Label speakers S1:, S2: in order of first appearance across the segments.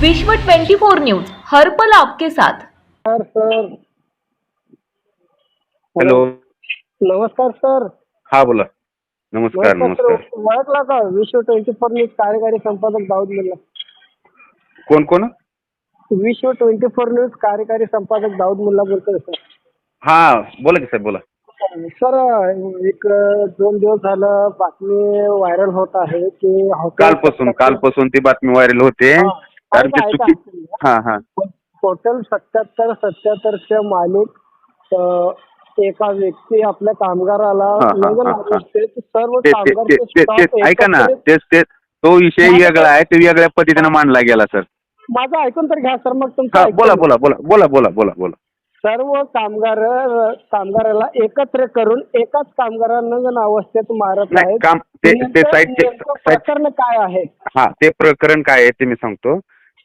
S1: विश्व 24 न्यूज हर पल आपके साथ।
S2: Sir
S3: hello.
S2: नमस्कार सर.
S3: हा बोला. नमस्कार नमस्कार.
S2: ओळखला का विश्व 24 न्यूज कार्यकारी संपादक दाऊद मुल्ला?
S3: कोण कोण?
S2: विश्व 24 न्यूज कार्यकारी संपादक दाऊद मुल्ला बोलतोय सर.
S3: हा बोला की साहेब बोला.
S2: सर एक 2 दिवस झालं बातमी व्हायरल होत आहे की
S3: कालपासून ती बातमी व्हायरल होते. कारण ती चुकी. हा हा.
S2: हॉटेल 77-77 मालिक एका व्यक्ती आपल्या कामगाराला सर्व
S3: ऐका ना, तेच तो विषय वेगळा आहे. ते वेगळ्या पद्धतीने मांडला गेला सर.
S2: माझं ऐकून तर घ्या सर. मग तुमचं
S3: बोला बोला बोला बोला बोला बोला बोला.
S2: सर्व कामगाराला एकत्र करून एकाच कामगारांना अवस्थेत मारत आहेत. प्रकरण काय आहे? हा
S3: ते प्रकरण काय आहे ते मी सांगतो.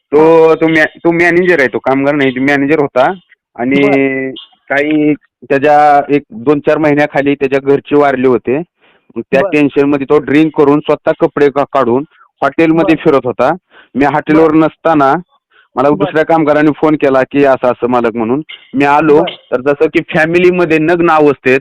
S3: तो मॅनेजर आहे. तो कामगार नाही, मॅनेजर होता. आणि काही त्याच्या 1-2-4 महिन्याखाली त्याच्या घरचे वारले होते. त्या टेन्शन मध्ये तो ड्रिंक करून स्वतः कपडे काढून हॉटेलमध्ये फिरत होता. मी हॉटेलवर नसताना मला दुसऱ्या कामगारांनी फोन केला की असं असं मालक म्हणून. मी आलो तर जसं की फॅमिलीमध्ये नग्न अवस्थेत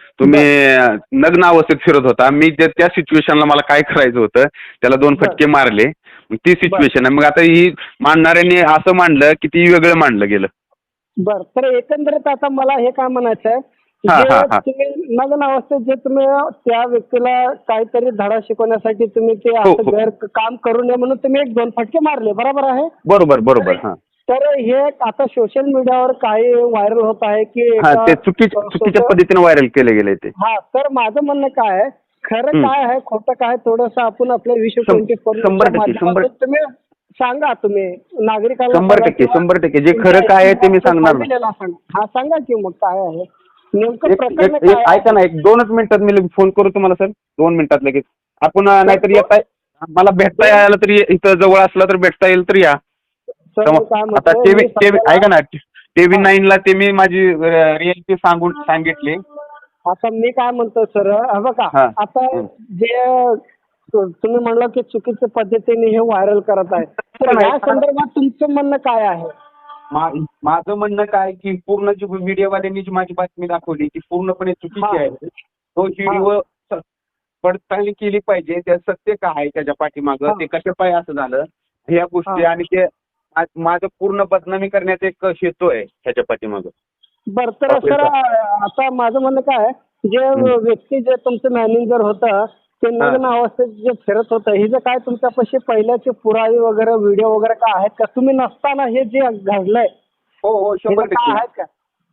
S3: नग्न अवस्थेत फिरत होता. मी त्या सिच्युएशनला मला काय करायचं होतं, त्याला 2 फटके मारले. ती सिच्युएशन आहे. मग आता ही मांडणाऱ्यांनी असं मांडलं की ती वेगळं मांडलं गेलं.
S2: बर. तर एकंदरीत आता मला हे काय म्हणायचं आहे, तुम्ही नग्न अवस्थेत जे तुम्ही त्या व्यक्तीला काहीतरी धडा शिकवण्यासाठी तुम्ही ते असं गैर काम करू नये म्हणून तुम्ही 1-2 फटके मारले, बरोबर आहे?
S3: बरोबर बरोबर. हा.
S2: तर हे आता सोशल मीडियावर काही व्हायरल होत आहे की
S3: ते चुकीच्या पद्धतीने व्हायरल केले गेले ते.
S2: हा. तर माझं म्हणणं काय आहे, खरं काय आहे खोटं काय थोडंसं आपण आपल्या विश्व 24 तुम्ही सांगा. तुम्ही नागरिकांना
S3: 100% जे खरं काय आहे ते मी सांगणार.
S2: हा सांगा की मग काय आहे नेमकं प्रकरण.
S3: ऐका ना, 1-2 मिनिटात मी फोन करू तुम्हाला सर. 2 मिनिटात लगेच. आपण नाहीतर येताय, मला भेटता यायला तरी इथं जवळ असलं तर भेटता येईल तर या. आता ऐका ना, TV9 ला ते मी माझी रिअलिटी सांगितली.
S2: आता मी काय म्हणतो सर, बघा आता जे तुम्ही म्हणलं की चुकीच्या पद्धतीने हे व्हायरल करत आहे, तर या संदर्भात तुमचं म्हणणं काय आहे?
S3: माझं म्हणणं काय की पूर्ण जी मीडियावाल्यांनी जी माझी बातमी दाखवली ती पूर्णपणे चुकीची आहे. तो व्हिडिओ पडताळणी केली पाहिजे. त्या सत्य काय आहे त्याच्या पाठीमागं, ते कशा पाय असं झालं ह्या गोष्टी, आणि ते माझं पूर्ण बदनामी करण्याचा एक हेतू आहे ह्याच्या पाठीमागं.
S2: बरं. तर सर आता माझं म्हणणं काय आहे, जे व्यक्ती जे तुमचं मॅनेजर होतं ते नग्न अवस्थेत जे फिरत होतं, हे जे काय तुमच्यापाशी पहिल्याचे पुरावे वगैरे व्हिडिओ वगैरे काय आहेत का? तुम्ही नसताना हे जे घडलंय
S3: हो 100%
S2: आहेत का?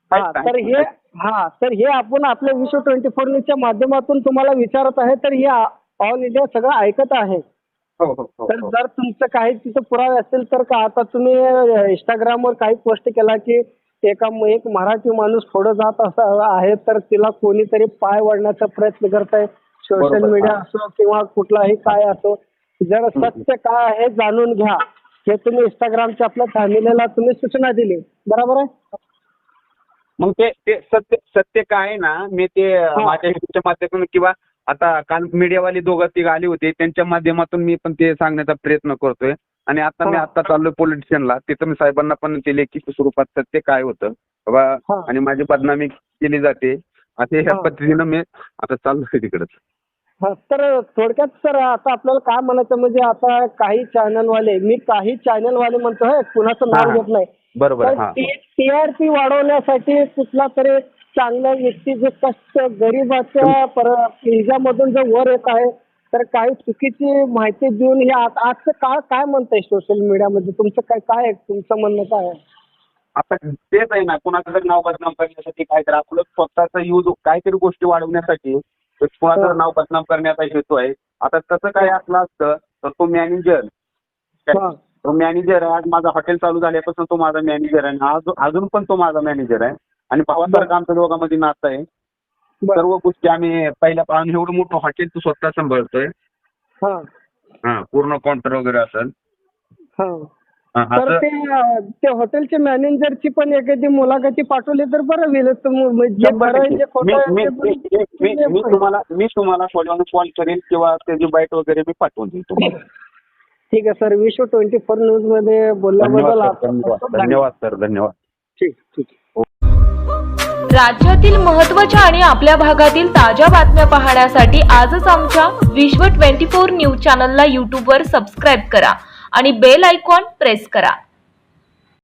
S2: तर हे आपण आपल्या विश्व 24 न्यूजच्या माध्यमातून तुम्हाला विचारत आहे. तर हे ऑल इंडिया सगळं ऐकत आहे. तर जर तुमचं काही तिथं पुरावे असतील तर का आता तुम्ही इंस्टाग्रामवर काही पोस्ट केला की एक मराठी माणूस पुढे जात असा आहे तर तिला कोणीतरी पाय वळण्याचा प्रयत्न करत आहे. सोशल मीडिया असो किंवा कुठलाही काय असो, जर सत्य काय आहे जाणून घ्या हे तुम्ही इंस्टाग्रामच्या आपल्या फॅमिलीला तुम्ही सूचना दिली, बरोबर आहे?
S3: मग ते सत्य काय आहे ना, मी ते माझ्या युट्यूबच्या माध्यमातून किंवा आता काल मीडियावाले 2-3 आले होते त्यांच्या माध्यमातून मी पण ते सांगण्याचा प्रयत्न करतोय. आणि मी आता चाललोय पोलीस स्टेशनला. तिथं मी साहेबांना पण ते लेखी स्वरूपात सत्य काय होतं बाबा आणि माझी बदनामी केली जाते असे ह्या पद्धतीनं मी आता चाललोय तिकडच.
S2: तर थोडक्यात सर आता आपल्याला काय म्हणायचं म्हणजे आता काही चॅनलवाले म्हणतो, कुणाचं नाव घेत नाही,
S3: बरोबर.
S2: TRP वाढवण्यासाठी कुठला तरी चांगला व्यक्ती जो कष्ट गरिबाच्या हिजामधून जो वर येत आहे तर काही चुकीची माहिती देऊन हे आजचं काळ काय म्हणतंय सोशल मीडियामध्ये, तुमचं काय तुमचं म्हणणं काय आहे?
S3: आता तेच आहे ना, कुणाचं जर नाव बदनाम करण्यासाठी काहीतरी आपलं स्वतःचा यूज काहीतरी गोष्टी वाढवण्यासाठी कुणाचं नाव बदनाम करण्याचा हेतू आहे. आता तसं काय असलं असतं तर तो मॅनेजर आज माझं हॉटेल चालू झाल्यापासून तो माझा मॅनेजर आहे. अजून पण तो माझा मॅनेजर आहे आणि भावासारखं आमच्या दोघांमध्ये नातं आहे. सर्व गोष्टी आम्ही पहिल्या एवढं मोठं हॉटेल तू स्वतः सांभाळतोय. पूर्ण काउंटर वगैरे असेल.
S2: तर ते हॉटेलच्या मॅनेजरची पण एखादी मुलाखती पाठवली तर बरं होईल.
S3: मी तुम्हाला कॉल करेल किंवा त्याची बाईट वगैरे मी पाठवून देईल तुम्हाला.
S2: ठीक आहे सर. विश्व 24 न्यूज मध्ये बोलल्याबद्दल
S3: धन्यवाद सर. धन्यवाद.
S2: ठीक ठीक.
S1: राज्यातील महत्त्वाच्या आणि आपल्या भागातील ताज्या बातम्या पाहण्यासाठी आजच आमच्या विश्व 24 न्यूज चॅनलला यूट्यूबवर सबस्क्राईब करा आणि बेल आयकॉन प्रेस करा.